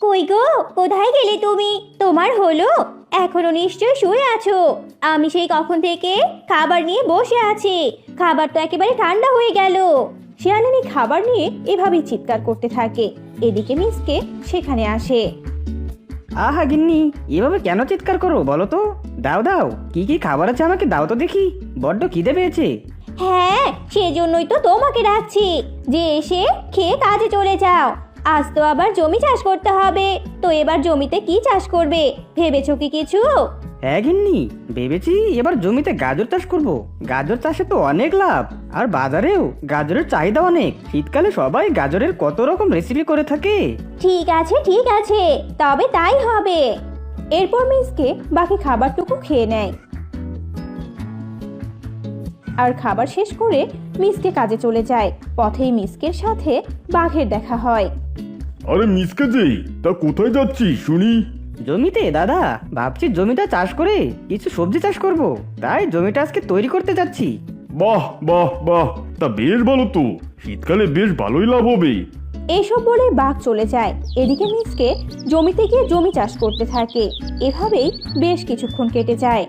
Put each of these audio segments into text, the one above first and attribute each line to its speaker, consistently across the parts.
Speaker 1: কই গো, কোথায় গেলে তুমি? তোমার হলো? এখনো নিশ্চয় শুয়ে আছো। আমি সেই কখন থেকে খাবার নিয়ে বসে আছি, খাবার তো একেবারে ঠান্ডা হয়ে গেল।
Speaker 2: শিয়ালিনী খাবার নিয়ে এভাবেই চিৎকার করতে থাকে। এদিকে মিসকে সেখানে আসে।
Speaker 3: আহা গিন্নি, এভাবে কেন চিৎকার করো বলো তো? দাও দাও, কি কি খাবার আছে আমাকে দাও তো দেখি, বড্ড খিদে পেয়েছে।
Speaker 1: হ্যাঁ, সেজন্যই তো তোমাকে ডাকছি যে এসে খেয়ে কাজে চলে যাও। আজ তো আবার জমি চাষ করতে হবে, তো এবার জমিতে কি চাষ করবে ভেবেছো কি কিছু?
Speaker 3: হ্যাঁ গিন্নি, ভেবেছি এবার জমিতে গাজর চাষ করব। গাজর চাষে তো অনেক লাভ, আর বাজারেও গাজরের চাহিদা অনেক। শীতকালে সবাই গাজরের কত রকম রেসিপি করে থাকে।
Speaker 1: ঠিক আছে ঠিক আছে, তবে তাই হবে।
Speaker 2: এরপর মিসকে বাকি খাবারটুকু খেয়ে নেয়, আর খাবার শেষ করে মিসকে কাজে চলে যায়। পথেই মিসকের সাথে বাঘের দেখা হয়।
Speaker 4: আরে মিসকে যে, তা কোথায় যাচ্ছি শুনি?
Speaker 3: জমিতে দাদা, ভাবছি জমিটা চাষ করে কিছু সবজি চাষ করব, তাই জমিটা আজকে তৈরি করতে যাচ্ছি।
Speaker 4: বাহ বাহ বাহ, তা বেশ ভালো তো, শীতকালে বেশ ভালোই লাভ হবে।
Speaker 2: এসব বলে বাঘ চলে যায়। এদিকে মিসকে জমিতে গিয়ে জমি চাষ করতে থাকে। এভাবেই বেশ কিছুক্ষণ কেটে যায়।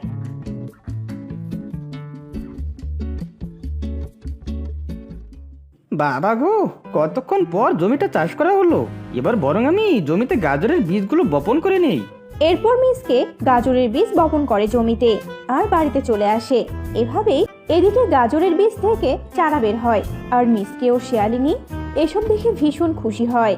Speaker 3: বাবা গো, কতক্ষণ পর জমিটা চাষ করা হলো। এবার বরং আমি জমিতে গাজরের বীজগুলো বপন করে নেই।
Speaker 2: এরপর মিসকে গাজরের বীজ বপন করে জমিতে আর বাড়িতে চলে আসে। এভাবেই এদিকে গাজরের বীজ থেকে চারা বের হয়, আর মিসকে ও শিয়ালিনী এসব দেখে ভীষণ খুশি হয়।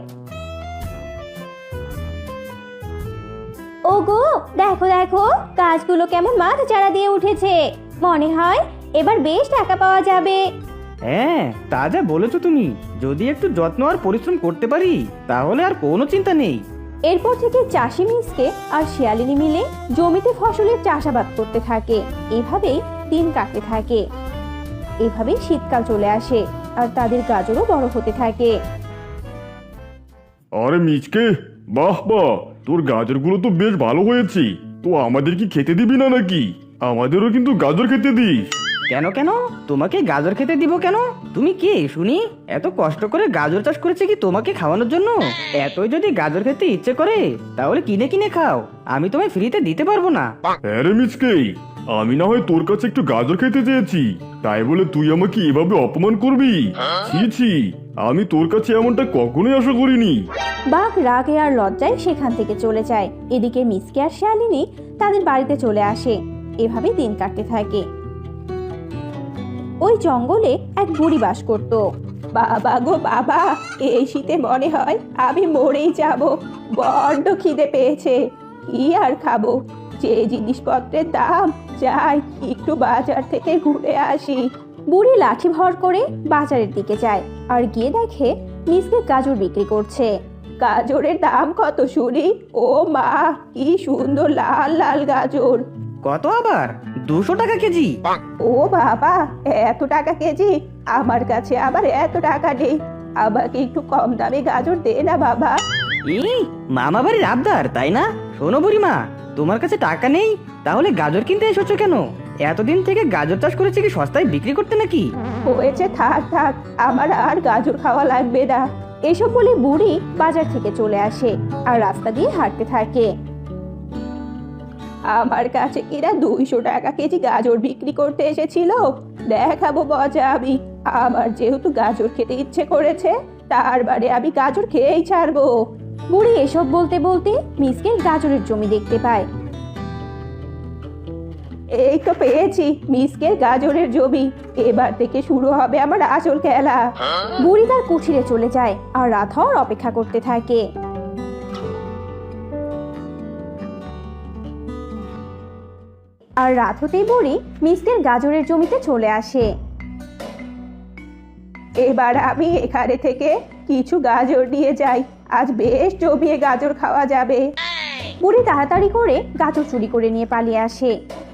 Speaker 1: ওগো, দেখো দেখো, গাছগুলো কেমন মাথা চারা দিয়ে উঠেছে। মনে হয় এবার বেশ টাকা পাওয়া যাবে।
Speaker 3: হ্যাঁ, তা যা বলেছো তুমি, যদি একটু যত্ন আর পরিশ্রম করতে পারি তাহলে আর কোনো চিন্তা নেই।
Speaker 2: এরপর থেকে চাষি মিসকে আর শিয়ালিনী মিলে জমিতে ফসলের চাষাবাদ করতে থাকে। এভাবেই দিন কাটতে থাকে। এভাবেই শীতকাল চলে আসে, আর তাদের গাজরও বড় হতে থাকে।
Speaker 4: আরে মিচকে, বাহ বাহ, তোর গাজরগুলো তো বেশ ভালো হয়েছে। তো আমাদের কি খেতে দিবি না নাকি? আমাদেরও কিন্তু গাজর খেতে দিস।
Speaker 3: কেন কেন, তোমাকে গাজর খেতে দিব কেন? তুমি কে শুনি? এত কষ্ট করে গাজর চাষ করেছে কি তোমাকে খাওয়ানোর জন্য? এতই যদি গাজর খেতে ইচ্ছে করে তাহলে কিনে কিনে খাও, আমি তোমায় ফ্রিতে দিতে পারবো না।
Speaker 4: হ্যাঁ রে মিচকে, আমি না হয় তোর কাছে একটু গাজর খেতে চেয়েছি, তাই বলে তুই আমাকে এভাবে অপমান করবি? ছি ছি, আমি তোর কাছে এমনটা কখনোই আশা করিনি।
Speaker 2: বাঘ রাগে আর লজ্জায় সেখান থেকে চলে যায়। এদিকে মিসকে আর শিয়ালিনী তাদের বাড়িতে চলে আসে। এভাবে দিন কাটতে থাকে। ওই জঙ্গলে এক বুড়ি বাস করত। বাবা গো বাবা, এই শীতে মনে হয় আমি মরেই যাব। বড্ড খিদে পেয়েছে, কি আর খাবো। যে জিনিসপত্রের দাম, যাই একটু বাজার থেকে ঘুরে আসি। বুড়ি লাঠি ভর করে বাজারের দিকে যায়, আর গিয়ে দেখে মিসকে গাজর বিক্রি করছে। গাজরের দাম কত শুনি? ও মা, কি সুন্দর লাল লাল গাজর।
Speaker 3: কত আবার? 200 টাকা কেজি?
Speaker 2: ও বাবা, এত টাকা কেজি? আমার কাছে আবার এত টাকা নেই। আমাকে একটু কম দামে গাজর দে না বাবা।
Speaker 3: এই মামা বাড়ির আবদার তাই না? শোনো বুড়িমা, তোমার কাছে টাকা নেই তাহলে গাজর কিনতে এসেছো কেন? এতদিন থেকে গাজর চাষ করেছে কি সস্তায় বিক্রি করতে নাকি?
Speaker 2: হয়েছে, থাক থাক, আমার আর গাজর খাওয়া লাগবে না। এসব বলে বুড়ি বাজার থেকে চলে আসে আর রাস্তা দিয়ে হাঁটতে থাকে। আমার কাছে কিনা 200 টাকা কেজি গাজর বিক্রি করতে এসেছিল, দেখাবো মজা আমি। আমার যেহেতু গাজর খেতে ইচ্ছে করেছে, তার বারে আমি গাজর খেয়েই ছাড়বো। বুড়ি এসব বলতে বলতে মিসকে গাজরের জমি দেখতে পায়। এই তো পেয়েছি মিসকের গাজরের জমি, এবার থেকে শুরু হবে আমার আসল খেলা। বুড়ি তার কুঠিরে চলে যায় আর রাত হওয়ার অপেক্ষা করতে থাকে। আর রাত হতেই বুড়ি মিসকের গাজরের জমিতে চলে আসে। এবার আমি এখানে থেকে কিছু গাজর নিয়ে যাই, আজ বেশ জমিয়ে গাজর খাওয়া যাবে। বুড়ি তাড়াতাড়ি করে গাজর চুরি করে নিয়ে পালিয়ে আসে।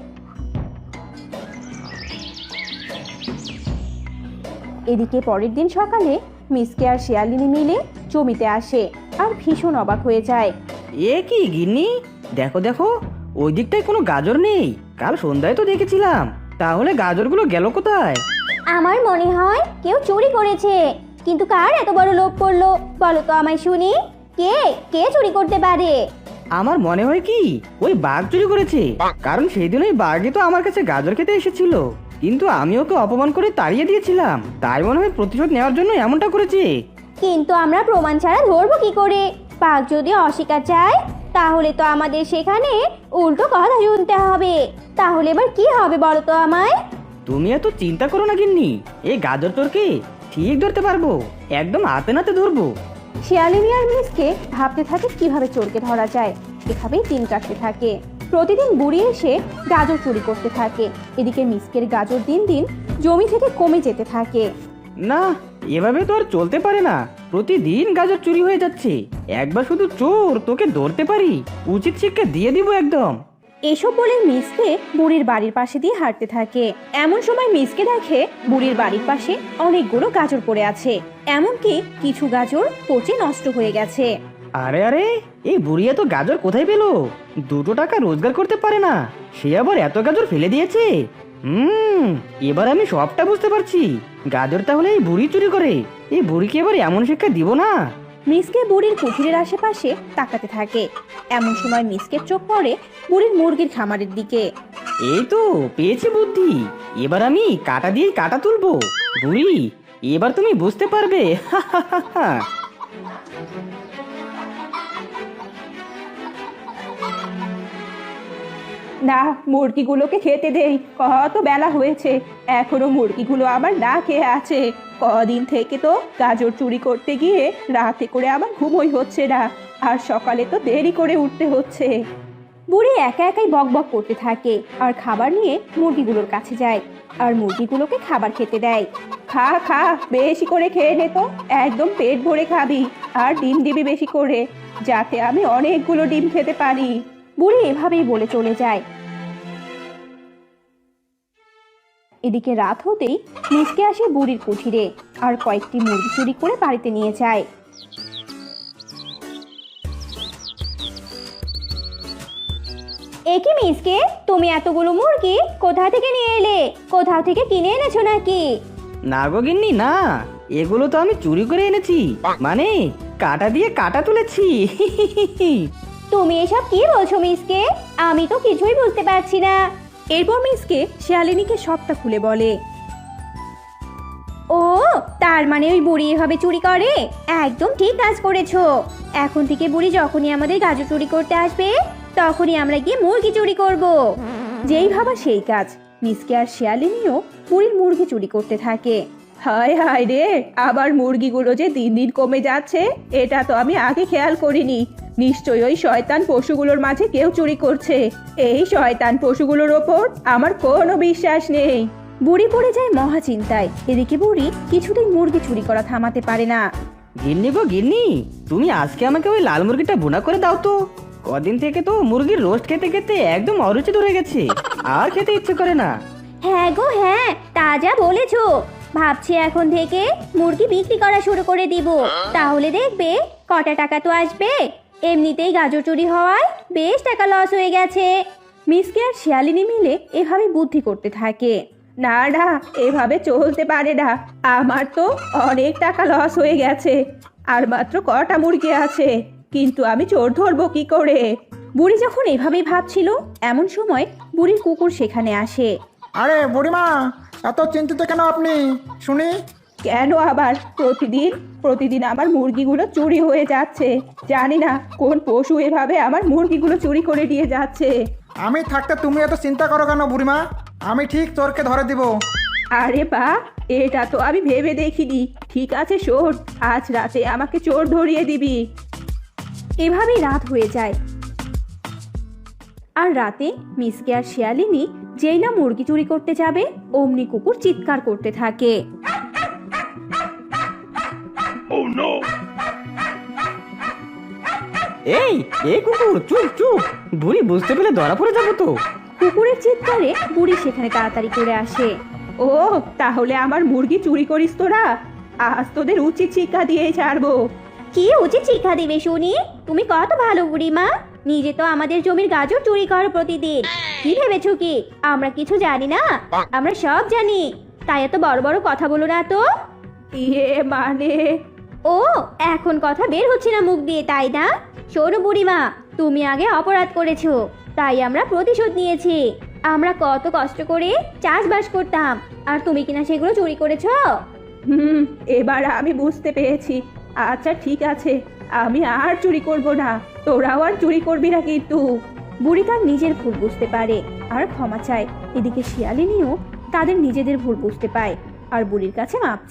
Speaker 2: এদিকে পরের দিন সকালে মিসকে আর শিয়ালিনী মিলে জমিতে আসে আর ভীষণ অবাক হয়ে যায়।
Speaker 3: এ কি গিন্নি, দেখো দেখো, ওই দিকটায় কোনো গাজর নেই। কাল সন্ধ্যায় তো দেখেছিলাম, তাহলে গাজরগুলো গেল কোথায়?
Speaker 1: আমার মনে হয় কেউ চুরি করেছে, কিন্তু কার এত বড় লোভ করলো বলো তো আমায় শুনি। কে কে চুরি করতে পারে?
Speaker 3: আমার মনে হয় কি ওই বাঘ চুরি করেছে, কারণ সেই দিন ওই বাঘই তো আমার কাছে গাজর খেতে এসেছিল, কিন্তু আমি ওকে অপমান করে তাড়িয়ে দিয়েছিলাম, তাই মনে হয় প্রতিশোধ নেওয়ার জন্য এমনটা করেছে।
Speaker 1: কিন্তু আমরা প্রমাণ ছাড়া ধরবো কি করে? বাঘ যদি অস্বীকার চায় তাহলে তো আমাদের সেখানে উল্টো কথা শুনতে হবে। তাহলে এবার কি হবে বলো তো আমায়?
Speaker 3: তুমি এত চিন্তা করো না গিন্নি, এই গাজর চোরকে ঠিক ধরতে পারবো, একদম হাতে নাতে ধরবো।
Speaker 2: শিয়ালিনী আর মিসকে ভাবতে থাকে কিভাবে চোরকে ধরা যায়। এভাবেই দিন কাটতে থাকে। প্রতিদিন বুড়ি এসে গাজর চুরি করতে থাকে। এদিকে মিসকের গাজর দিন দিন জমি থেকে কমে যেতে থাকে।
Speaker 3: না, এভাবে তো আর চলতে পারে না, প্রতিদিন গাজর চুরি হয়ে যাচ্ছে। একবার শুধু চোর তোকে ধরতে পারি, উচিত শিক্ষা দিয়ে দিব একদম।
Speaker 2: এসব বলে মিসকে বুড়ির বাড়ির পাশে দিয়ে হাঁটতে থাকে। এমন সময় মিসকে দেখে বুড়ির বাড়ির পাশে অনেকগুলো গাজর পড়ে আছে, এমনকি কিছু গাজর পচে নষ্ট হয়ে গেছে।
Speaker 3: আরে আরে, এই বুড়িয়া তো গাজর কোথায় পেলো? 2 টাকা রোজগার করতে পারে না, সে আবার এত গাজর ফেলে দিয়েছে। এবার আমি সবটা বুঝতে পারছি, গাজর তাহলে এই বুড়ি চুরি করে। এই বুড়িকে এবার এমন শিক্ষা দিব না।
Speaker 2: মিসকে বুড়ির কুঠিরের আশেপাশে তাকাতে থাকে। এমন সময় মিসকের চোখ পড়ে বুড়ির মুরগির খামারের দিকে।
Speaker 3: এই তো পেয়েছি বুদ্ধি, এবার আমি কাটা দিয়ে কাটা তুলবো। বুড়ি, এবার তুমি বুঝতে পারবে।
Speaker 2: না, মুরগিগুলোকে খেতে দেই, কত বেলা হয়েছে, এখনো মুরগিগুলো আমার না খেয়ে আছে। কদিন থেকে তো গাজর চুরি করতে গিয়ে রাতে করে আমার ঘুমোই হচ্ছে না, আর সকালে তো দেরি করে উঠতে হচ্ছে। বুড়ি একা একাই বকবক করতে থাকে আর খাবার নিয়ে মুরগিগুলোর কাছে যায় আর মুরগিগুলোকে খাবার খেতে দেয়। খা খা, বেশি করে খেয়ে নে তো, একদম পেট ভরে খাবি, আর ডিম দিবি বেশি করে, যাতে আমি অনেকগুলো ডিম খেতে পারি। বুড়ি এভাবেই বলে চলে যায়। এদিকে রাত হতেই মিসকে আসে বুড়ির কুঠিরে আর কয়েকটি মুরগি চুরি করে বাড়িতে নিয়ে যায়।
Speaker 1: একি মিসকে, তুমি এতগুলো মুরগি কোথা থেকে নিয়ে এলে? কোথাও থেকে কিনে এনেছো নাকি?
Speaker 3: না গো গিন্নি, না, এগুলো তো আমি চুরি করে এনেছি, মানে কাটা দিয়ে কাটা তুলেছি।
Speaker 1: তুমি এসব কি বলছো মিসকে? আমি তো কিছুই বুঝতে পারছি না।
Speaker 2: এরপর মিসকে শিয়ালিনীকে সবটা খুলে বলে।
Speaker 1: ও, তার মানে ওই বুড়ি এভাবে চুরি করে? একদম ঠিক কাজ করেছো। এখন থেকে বুড়ি যখনই আমাদের গাজর চুরি করতে আসবে তখনই আমরা গিয়ে মুরগি চুরি করব।
Speaker 2: যেই ভাবা সেই কাজ। মিসকে আর শিয়ালিনীও বুড়ির মুরগি চুরি করতে থাকে। হায় হায় রে, আবার মুরগিগুলো যে দিন দিন কমে যাচ্ছে, এটা তো আমি আগে খেয়াল করিনি। নিশ্চয়ই ওই শয়তান পশুগুলোর মাঝে কেউ চুরি করছে। এই শয়তান পশুগুলোর ওপর আমার কোনো বিশ্বাস নেই। বুড়ি পড়ে যায় মহা চিন্তায়। এদিকে বুড়ি কিছুতেই মুরগি চুরি করা থামাতে পারে না।
Speaker 3: গিন্নি গো গিন্নি, তুমি আজকে আমাকে ওই লাল মুরগিটা ভুনা করে দাও তো। কদিন থেকে তো মুরগির রোস্ট খেতে খেতে একদম অরুচি ধরে গেছে, আর খেতে ইচ্ছে করে না।
Speaker 1: হ্যাঁ গো হ্যাঁ, তাজা বলেছো। ভাবছি এখন থেকে মুরগি বিক্রি করা শুরু করে দিব, তাহলে দেখবে কটা টাকা তো আসবে। এমনিতেই গাজর চুরি হওয়ায় বেশ টাকা লস হয়ে গেছে।
Speaker 2: মিসকে আর শিয়ালিনী মিলে এভাবে বুদ্ধি করতে থাকে। না না, এভাবে চলতে পারে না, আমার তো অনেক টাকা লস হয়ে গেছে, আর মাত্র কটা মুরগি আছে, কিন্তু আমি চোর ধরবো কি করে? বুড়ি যখন এভাবেই ভাবছিল এমন সময় বুড়ির কুকুর সেখানে আসে।
Speaker 5: আরে বুড়িমা, এত চিন্তিত কেন আপনি শুনি?
Speaker 2: কেন আবার? প্রতিদিন আমার মুরগিগুলো চুরি হয়ে যাচ্ছে, জানি না কোন পশু এভাবে আমার মুরগিগুলো চুরি করে দিয়ে যাচ্ছে।
Speaker 5: আমি থাকতে তুমি এত চিন্তা করো কেন বুড়িমা? আমি ঠিক চোরকে ধরে দিব।
Speaker 2: আরে বা, এটা তো আমি ভেবে দেখিনি। ঠিক আছে শোন, আজ রাতে আমাকে চোর ধরিয়ে দিবি। এভাবেই রাত হয়ে যায়। আর রাতে মিসকে আর শিয়ালিনী যেই না মুরগি চুরি করতে যাবে অমনি কুকুর চিৎকার করতে থাকে।
Speaker 3: এই এই কুকুর, চুপ চুপ, বুড়ি বুঝতে পেলে ধরা পড়ে যাবো তো।
Speaker 2: কুকুরের চিৎকারে বুড়ি সেখানে তাড়াতাড়ি করে আসে। ও, তাহলে আমার মুরগি চুরি করিস তোরা? আজ তোদের উচিত শিক্ষা দিয়ে ছাড়বো।
Speaker 1: কি উচিত শিক্ষা দিবে শুনি? তুমি কত ভালো বুড়িমা, নিজে তো আমাদের জমির গাজর চুরি করো প্রতিদিন। কি ভেবেছো কি আমরা কিছু জানি না? আমরা সব জানি, তাই এত বড় বড় কথা বলো না তো।
Speaker 2: ইয়ে মানে,
Speaker 1: ও এখন কথা বের হচ্ছে না মুখ দিয়ে, তাই না? শোনো বুড়িমা, তুমি আগে অপরাধ করেছো, তাই আমরা প্রতিশোধ নিয়েছি। আমরা কত কষ্ট করে চাষবাস করতাম, আর তুমি কিনা সেগুলো চুরি করেছো।
Speaker 2: এবার আমি বুঝতে পেরেছি। আচ্ছা ঠিক আছে, আমি আর চুরি করব না, তোরাও আর চুরি করবি না কিন্তু।
Speaker 1: বুড়ি তার নিজের ভুল বুঝতে পারে আর ক্ষমা চায়। এদিকে শিয়ালিনীও তাদের নিজেদের ভুল বুঝতে পায় আর বুড়ির কাছে মাপ